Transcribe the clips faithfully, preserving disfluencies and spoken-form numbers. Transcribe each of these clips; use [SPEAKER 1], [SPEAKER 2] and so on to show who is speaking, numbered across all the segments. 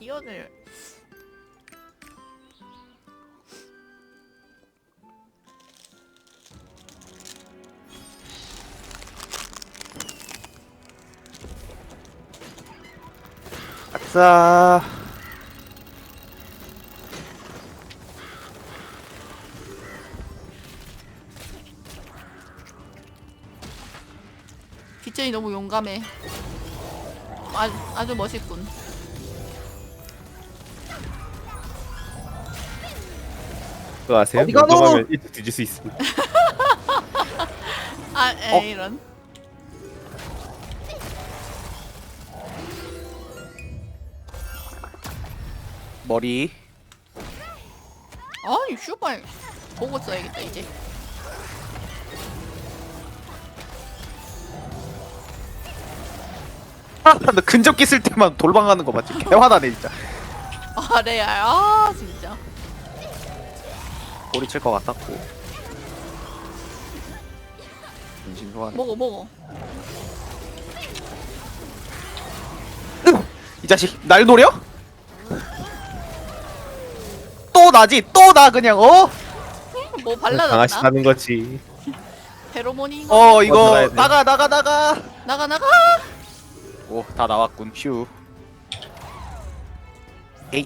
[SPEAKER 1] 가디언을
[SPEAKER 2] 아싸.
[SPEAKER 1] 기천이 너무 용감해. 아주, 아주 멋있군.
[SPEAKER 3] 그거 아세요?
[SPEAKER 2] 어디 가노?
[SPEAKER 3] 용감하면 일찍 뒤질 수 있습니다.
[SPEAKER 1] 아, 에
[SPEAKER 2] 어?
[SPEAKER 1] 이런.
[SPEAKER 2] 머리.
[SPEAKER 1] 아니 슈발 보고 써야겠다 이제.
[SPEAKER 2] 아, 나 근접기 쓸 때만 돌방가는 거 맞지? 개화나네 진짜.
[SPEAKER 1] 아 레알 아 진짜.
[SPEAKER 2] 꼬리 칠 것 같았고. 인신 소환.
[SPEAKER 1] 먹어 먹어.
[SPEAKER 2] 이 자식 날 노려? 또 나지? 또 나 그냥 어?
[SPEAKER 1] 뭐
[SPEAKER 3] 강아지
[SPEAKER 1] 발라놨나?
[SPEAKER 3] 사는 거지.
[SPEAKER 1] 페로몬이 이거.
[SPEAKER 2] 어
[SPEAKER 3] 어,
[SPEAKER 2] 이거
[SPEAKER 3] 들어가야 돼.
[SPEAKER 2] 나가 나가 나가.
[SPEAKER 1] 나가 나가.
[SPEAKER 2] 오 다 나왔군. 휴. 에이.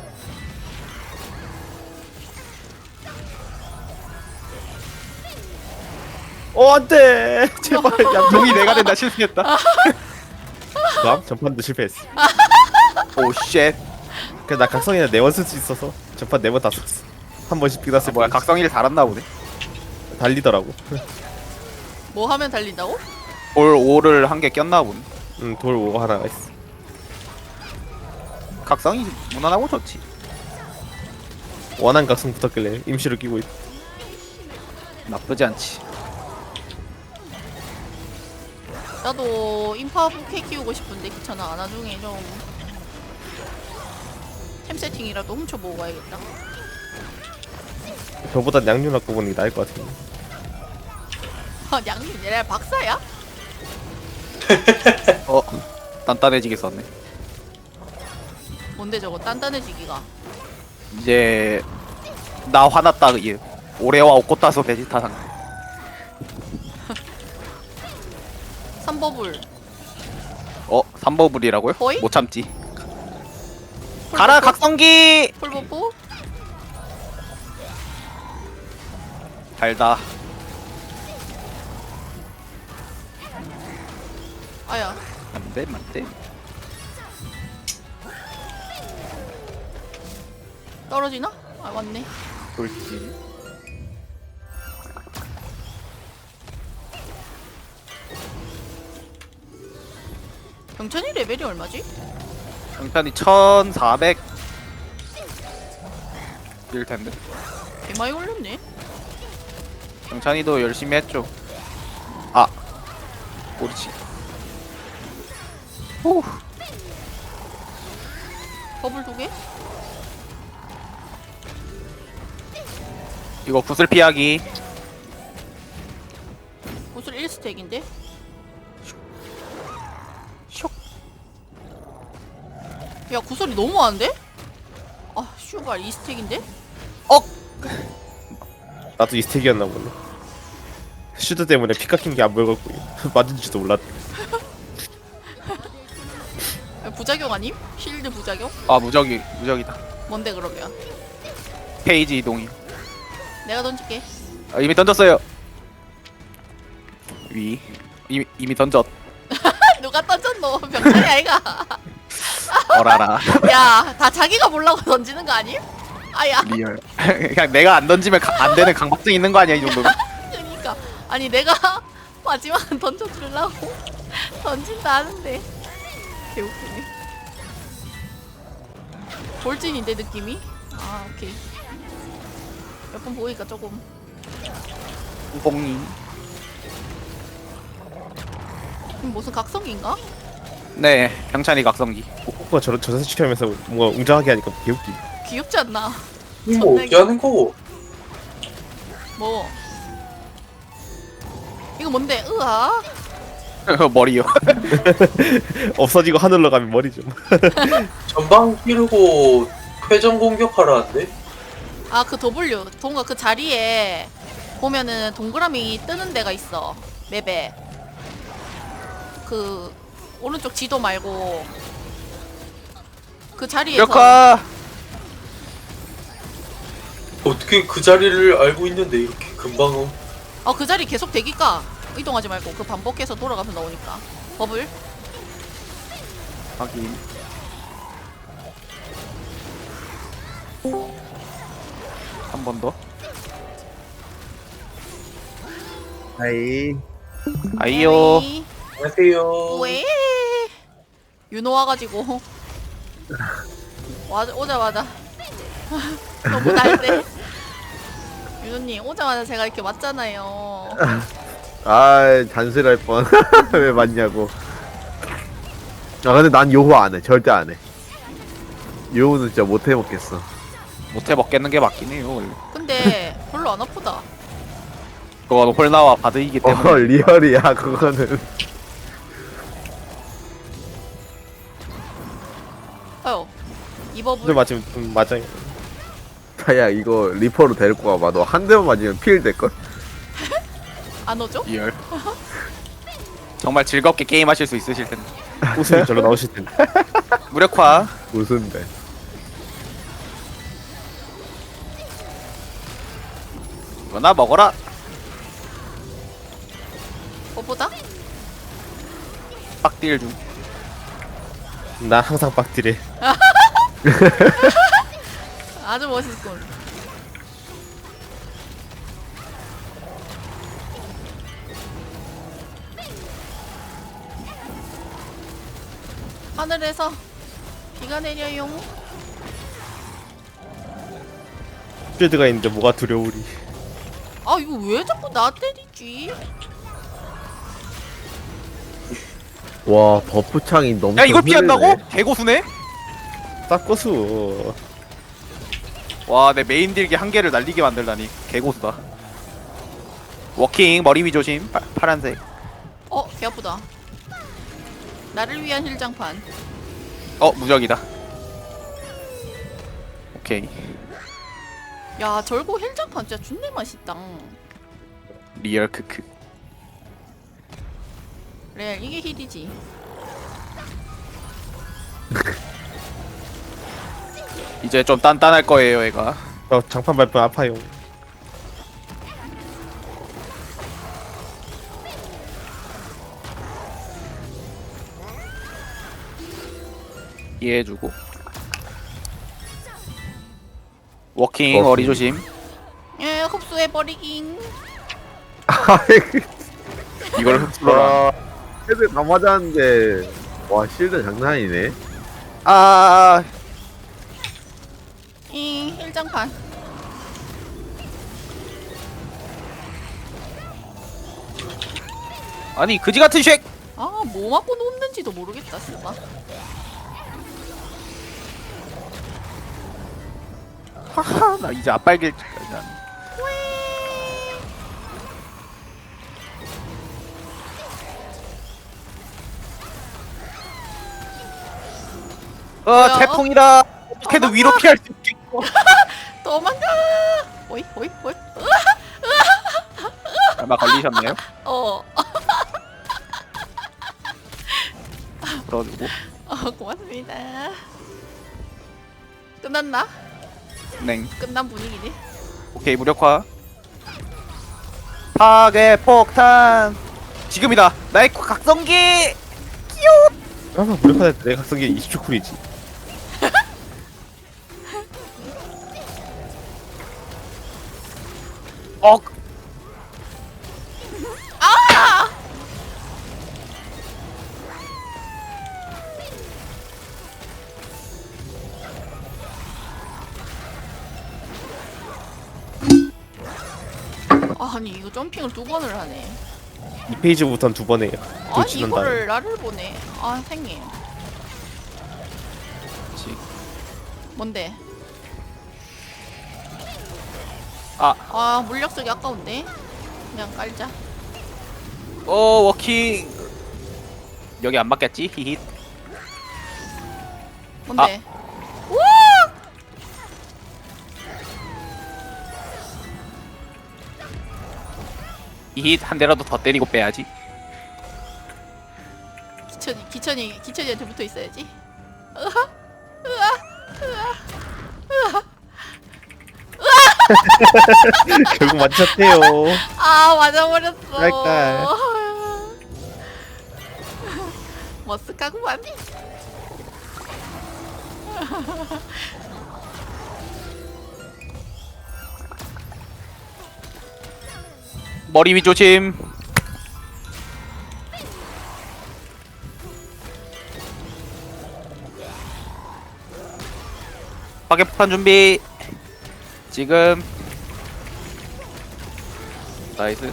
[SPEAKER 3] 어 안돼.
[SPEAKER 2] 제발 야 동이 내가 된다 실패했다.
[SPEAKER 3] 그럼 전판도 실패했어.
[SPEAKER 2] 오 쉣.
[SPEAKER 3] 그래서 나 각성이나 네번 쓸 수 있어서 전판 네 번 다 썼어. 한 번씩 삐났을
[SPEAKER 2] 아, 뭐야 각성이를 달았나 보네.
[SPEAKER 3] 달리더라고.
[SPEAKER 1] 뭐 하면 달린다고?
[SPEAKER 2] 올 오를 한 개 꼈나 보네.
[SPEAKER 3] 응돌 오고 하나가 있어.
[SPEAKER 2] 각성이 무난하고 좋지.
[SPEAKER 3] 원한 각성 붙었길래 임시로 끼고 있.
[SPEAKER 2] 나쁘지 않지.
[SPEAKER 1] 나도 인파 부캐 키우고 싶은데 귀찮아. 나중에 좀 템 세팅이라도 훔쳐보고 가야겠다.
[SPEAKER 3] 저보다 양육 갖고 보는 게 나을 것 같은데.
[SPEAKER 1] 아 양님 얘네 박사야?
[SPEAKER 2] 어 단단해지게 썼네.
[SPEAKER 1] 뭔데 저거 단단해지기가.
[SPEAKER 2] 이제 나 화났다 이 올해와 오코타소 베지타 상.
[SPEAKER 1] 삼버블.
[SPEAKER 2] 어 삼버블이라고요?
[SPEAKER 1] 거의?
[SPEAKER 2] 못 참지. 가라 각성기.
[SPEAKER 1] 풀버프?
[SPEAKER 2] 달다.
[SPEAKER 1] 아야.
[SPEAKER 2] 안돼 안돼.
[SPEAKER 1] 떨어지나? 아 맞네.
[SPEAKER 2] 돌지.
[SPEAKER 1] 경천이 레벨이 얼마지?
[SPEAKER 2] 경탄이 천사백 일 텐데.
[SPEAKER 1] 개 많이 올렸네.
[SPEAKER 2] 경찬이도 열심히 했죠. 아, 옳지. 후,
[SPEAKER 1] 버블 두 개?
[SPEAKER 2] 이거 구슬 피하기.
[SPEAKER 1] 구슬 일 스택인데?
[SPEAKER 2] 슉.
[SPEAKER 1] 야 구슬이 너무 많은데? 아 슈발 이 스택인데?
[SPEAKER 2] 어,
[SPEAKER 3] 나도 이 스택이었나 보네. 슈드 때문에 피 깎인 게 안 보여갖고 맞은지도 몰랐.
[SPEAKER 1] 야, 부작용 아님? 실드 부작용?
[SPEAKER 2] 아 무적이 무적이다.
[SPEAKER 1] 뭔데 그러면?
[SPEAKER 2] 페이지 이동이.
[SPEAKER 1] 내가 던질게.
[SPEAKER 2] 아, 이미 던졌어요. 위. 이미 이미 던졌.
[SPEAKER 1] 누가 던졌노? 병찬이 아이가.
[SPEAKER 2] 어라라.
[SPEAKER 1] 야 다 자기가 보려고 던지는 거 아님? 아야.
[SPEAKER 2] 리얼. 그냥 내가 안 던지면 가, 안 되는 강박증 있는 거 아니야 이 정도면?
[SPEAKER 1] 그러니까 아니 내가 마지막 던져주려고 던진다 하는데 개웃기네. 돌진인데 느낌이? 아 오케이. 몇 번 보니까 조금
[SPEAKER 2] 우봉이.
[SPEAKER 1] 이건 무슨 각성기인가?
[SPEAKER 2] 네, 경찬이 각성기.
[SPEAKER 3] 코코가 저런 저자세 시켜면서 뭔가 웅장하게 하니까 개웃기.
[SPEAKER 1] 귀엽지 않나?
[SPEAKER 4] 이거
[SPEAKER 1] 존나
[SPEAKER 4] 어떻게 하는 거고?
[SPEAKER 1] 뭐 이거 뭔데? 으아
[SPEAKER 2] 머리요.
[SPEAKER 3] 없어지고 하늘로 가면 머리 좀.
[SPEAKER 4] 전방 끼르고 회전 공격하라는데?
[SPEAKER 1] 아 그 W 동가 그 자리에 보면은 동그라미 뜨는 데가 있어 맵에. 그 오른쪽 지도 말고 그 자리에서
[SPEAKER 2] 무력화.
[SPEAKER 4] 어떻게 그 자리를 알고 있는데 이렇게 금방 어?
[SPEAKER 1] 어 그 자리 계속 대기까 이동하지 말고 그 반복해서 돌아가면 나오니까 버블.
[SPEAKER 2] 확인. 한 번 더.
[SPEAKER 5] 하이.
[SPEAKER 2] 아이요.
[SPEAKER 1] 에이,
[SPEAKER 4] 안녕하세요.
[SPEAKER 1] 왜 윤호 와가지고 와 오자마자 너무 날대. 윤호님 오자마자 제가 이렇게 왔잖아요.
[SPEAKER 5] 아 잔슬할 뻔. 왜 맞냐고. 아 근데 난 요호 안 해. 절대 안 해. 요호는 진짜 못 해 먹겠어.
[SPEAKER 2] 못해 먹겠는 게 맞긴 해요. 원래.
[SPEAKER 1] 근데 별로 안 아프다.
[SPEAKER 2] 그건 홀나와 바드이기 때문에.
[SPEAKER 5] 어 리얼이야 그거는.
[SPEAKER 1] 아유 이
[SPEAKER 3] 근데
[SPEAKER 1] 버블
[SPEAKER 3] 맞으면 좀 맞아요.
[SPEAKER 5] 야 이거 리퍼로 데리고 가봐. 너 한 대만 맞으면 필 될걸?
[SPEAKER 1] 안 오죠?
[SPEAKER 2] 리얼. 정말 즐겁게 게임하실 수 있으실 텐데.
[SPEAKER 3] 웃음이 절로 나오실 텐데.
[SPEAKER 2] 무력화.
[SPEAKER 5] 무슨 배.
[SPEAKER 2] 이거나 먹어라.
[SPEAKER 1] 뭐보다?
[SPEAKER 2] 빡딜 중.
[SPEAKER 3] 난 항상 빡딜해.
[SPEAKER 1] 아주 멋있군. 하늘에서 비가 내려용.
[SPEAKER 3] 필드가 있는데 뭐가 두려우리.
[SPEAKER 1] 아 이거 왜 자꾸 나 때리지?
[SPEAKER 5] 와 버프 창이 너무.
[SPEAKER 2] 야 이걸 피한다고? 개고수네?
[SPEAKER 3] 싹고수.
[SPEAKER 2] 와 내 메인 딜기 한 개를 날리게 만들다니 개고수다. 워킹 머리 위 조심. 파, 파란색.
[SPEAKER 1] 어, 개 아프다. 나를 위한 힐장판.
[SPEAKER 2] 어 무적이다. 오케이.
[SPEAKER 1] 야, 절고 힐장판 진짜 존내 맛있다.
[SPEAKER 2] 리얼 크크.
[SPEAKER 1] 레알 이게 힐이지.
[SPEAKER 2] 이제 좀 단단할 거예요 얘가.
[SPEAKER 3] 저 장판 밟으면 아파요.
[SPEAKER 2] 이해해주고. 워킹
[SPEAKER 5] 워킹.
[SPEAKER 2] 머리 조심.
[SPEAKER 1] 예, 흡수해버리긴.
[SPEAKER 2] 이걸 흡수라.
[SPEAKER 5] 와 헤드 다 맞았는데. 와 실드 장난 아니네.
[SPEAKER 2] 아
[SPEAKER 1] 이 힐장판.
[SPEAKER 2] 아니 그지 같은 쉑.
[SPEAKER 1] 아, 뭐 맞고 놓는지도 모르겠다, 진짜.
[SPEAKER 2] 하하 나 이제 앞발길 난. 어
[SPEAKER 1] 뭐야?
[SPEAKER 2] 태풍이다. 어떻게든
[SPEAKER 1] 도망가.
[SPEAKER 2] 위로 피할 수 있겠고.
[SPEAKER 1] 도망가! 오이, 오이, 오이.
[SPEAKER 2] 얼마 걸리셨나요?
[SPEAKER 1] 어,
[SPEAKER 2] 풀어주고.
[SPEAKER 1] 어, 고맙습니다. 끝났나?
[SPEAKER 2] 냉.
[SPEAKER 1] 끝난 분위기네.
[SPEAKER 2] 오케이 무력화. 파괴 폭탄. 지금이다. 나의 각성기.
[SPEAKER 3] 아마 무력화될 때 내가 각성기 이십 초 쿨이지.
[SPEAKER 2] 어.
[SPEAKER 1] 아, 아니 이거 점핑을 두 번을 하네.
[SPEAKER 3] 이 페이지부터는 두 번 해요. 또
[SPEAKER 1] 아니
[SPEAKER 3] 지난 다음에.
[SPEAKER 1] 이거를 나를 보내. 아, 생님.
[SPEAKER 2] 지.
[SPEAKER 1] 뭔데?
[SPEAKER 2] 아.
[SPEAKER 1] 아, 물약 쓰기 아까운데. 그냥 깔자.
[SPEAKER 2] 어 워킹. 여기 안 맞겠지? 히힛.
[SPEAKER 1] 뭔데?
[SPEAKER 2] 히힛 한 대라도 더 때리고 빼야지.
[SPEAKER 1] 기천이 기천이 기천이한테 붙어 있어야지. 으하, 으아, 으아, 으아.
[SPEAKER 3] 결국 맞췄대요.
[SPEAKER 1] 아 맞아버렸어.
[SPEAKER 3] 깔깔.
[SPEAKER 1] 머쓱하구만.
[SPEAKER 2] 머리 위 조심. 파괴폭탄 준비. 지금. 나이스.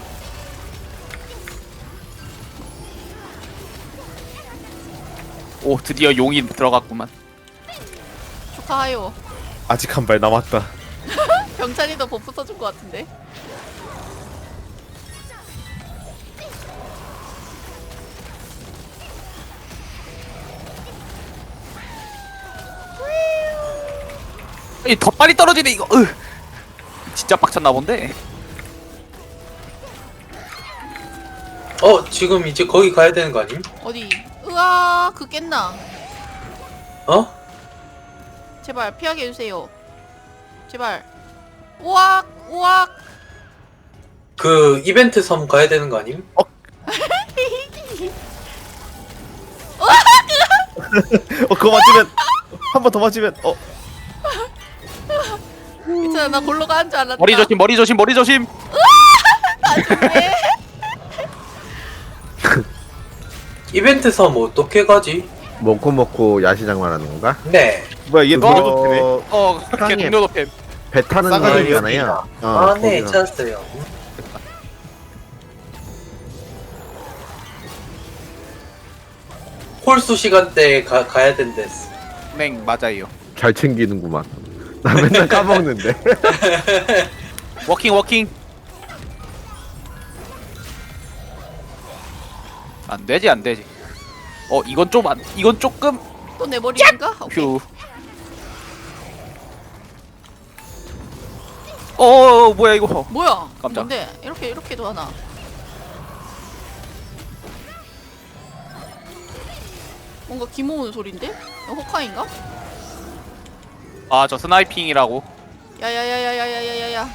[SPEAKER 2] 오 드디어 용이 들어갔구만.
[SPEAKER 1] 축하해요.
[SPEAKER 3] 아직 한 발 남았다.
[SPEAKER 1] 병찬이도 버프 써줄 것 같은데.
[SPEAKER 2] 이 더 빨리 떨어지네 이거. 으. 진짜 빡쳤나 본데.
[SPEAKER 4] 어 지금 이제 거기 가야 되는 거 아님?
[SPEAKER 1] 어디? 으아 그 깼나?
[SPEAKER 4] 어?
[SPEAKER 1] 제발 피하게 해주세요. 제발. 우악 우악.
[SPEAKER 4] 그 이벤트 섬 가야 되는 거 아님?
[SPEAKER 3] 어 그거 맞으면 한 번 더 맞으면 어
[SPEAKER 1] 괜찮아 나 골로 가는 줄 알았다.
[SPEAKER 2] 머리 조심 머리 조심 머리 조심.
[SPEAKER 4] 이벤트 섬 어떻게 가지?
[SPEAKER 5] 먹고 먹고 야시장 말하는 건가?
[SPEAKER 4] 네.
[SPEAKER 3] 뭐야 이게
[SPEAKER 5] 그거-
[SPEAKER 3] 누가 좋대네.
[SPEAKER 2] 어
[SPEAKER 5] 땅에-
[SPEAKER 2] 개동료도 팸.
[SPEAKER 5] 배 타는 거
[SPEAKER 3] 싸가지
[SPEAKER 5] 있잖아요. 어,
[SPEAKER 4] 아, 네,
[SPEAKER 5] 거기서.
[SPEAKER 4] 찾았어요. 홀수 시간대에 가, 가야 된댔어.
[SPEAKER 2] 네 맞아요.
[SPEAKER 5] 잘 챙기는구만. 나 맨날 까먹는데.
[SPEAKER 2] 워킹 워킹. 안 되지 안 되지. 어 이건 좀 안, 이건 조금
[SPEAKER 1] 또 내 머리인가? 오케이.
[SPEAKER 2] 휴. 어 뭐야 이거.
[SPEAKER 1] 뭐야?
[SPEAKER 2] 깜짝.
[SPEAKER 1] 뭔데? 이렇게 이렇게도 하나? 뭔가 기모으는 소린데? 이거 호카인가?
[SPEAKER 2] 아 저 스나이핑이라고.
[SPEAKER 1] 야야야야야야야야야.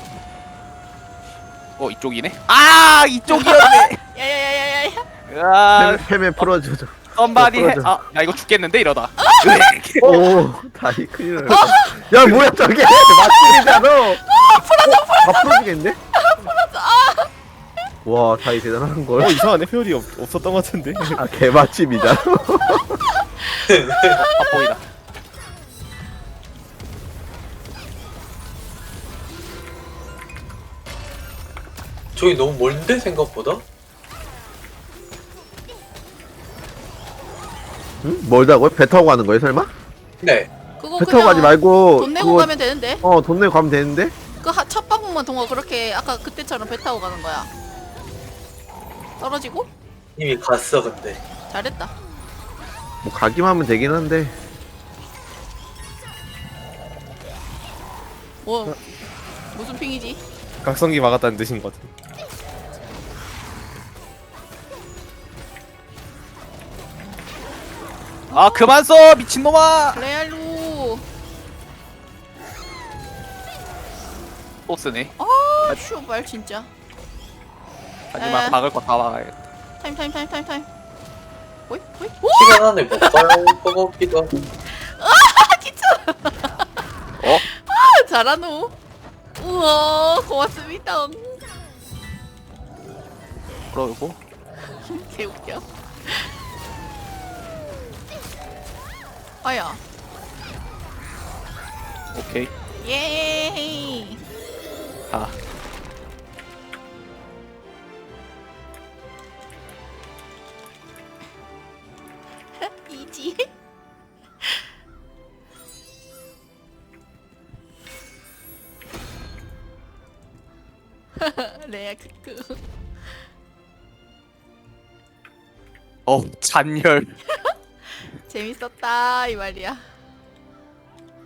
[SPEAKER 2] 어 이쪽이네. 아 이쪽이었네.
[SPEAKER 1] 야야야야야야.
[SPEAKER 2] 아
[SPEAKER 5] 팸에 풀어줘줘.
[SPEAKER 2] 썸바디 해.
[SPEAKER 5] 풀어줘.
[SPEAKER 2] 아나 이거 죽겠는데 이러다.
[SPEAKER 5] 오, 다리 큰일 났네. 야, 뭐야, 저게! 맞습니다너! 풀어줘, 풀어줘! 다 풀어주겠는데? 풀어줘! 와, 다리 대단한걸.
[SPEAKER 3] 어 이상하네 회오리 없, 없었던 것 같은데.
[SPEAKER 5] 아, 개맛집이다.
[SPEAKER 2] 아 보이다.
[SPEAKER 4] 저기 너무 멀는데 생각보다?
[SPEAKER 5] 응? 멀다고요? 배 타고 가는 거예요, 설마?
[SPEAKER 4] 네.
[SPEAKER 1] 그거
[SPEAKER 5] 배 타고 가지
[SPEAKER 1] 그냥
[SPEAKER 5] 말고.
[SPEAKER 1] 돈 내고
[SPEAKER 5] 그거-
[SPEAKER 1] 가면 되는데?
[SPEAKER 5] 어, 돈 내고 가면 되는데?
[SPEAKER 1] 그 첫 방문만 동화 그렇게 아까 그때처럼 배 타고 가는 거야. 떨어지고?
[SPEAKER 4] 이미 갔어 근데.
[SPEAKER 1] 잘했다.
[SPEAKER 5] 뭐, 가기만 하면 되긴 한데.
[SPEAKER 1] 뭐 무슨 핑이지?
[SPEAKER 3] 각성기 막았다는 뜻인 것 같아.
[SPEAKER 2] 아 그만 써 미친놈아.
[SPEAKER 1] 레알루.
[SPEAKER 2] 또 쓰네.
[SPEAKER 1] 아 슈발 진짜.
[SPEAKER 2] 하지만
[SPEAKER 1] 에.
[SPEAKER 2] 박을 거 다 박아야겠다.
[SPEAKER 1] 타임 타임 타임 타임 타임. 오이 오이. 오!
[SPEAKER 4] 시간 안에 못 갈 것 같기도 하고.
[SPEAKER 2] 어?
[SPEAKER 1] 아, 잘하노. 우와 고맙습니다.
[SPEAKER 2] 그러고
[SPEAKER 1] 개웃겨. 아야.
[SPEAKER 2] 오케이.
[SPEAKER 1] 예이.
[SPEAKER 2] 아
[SPEAKER 1] 이지. 레아 크크.
[SPEAKER 2] 어 잔열.
[SPEAKER 1] 재밌었다 이 말이야.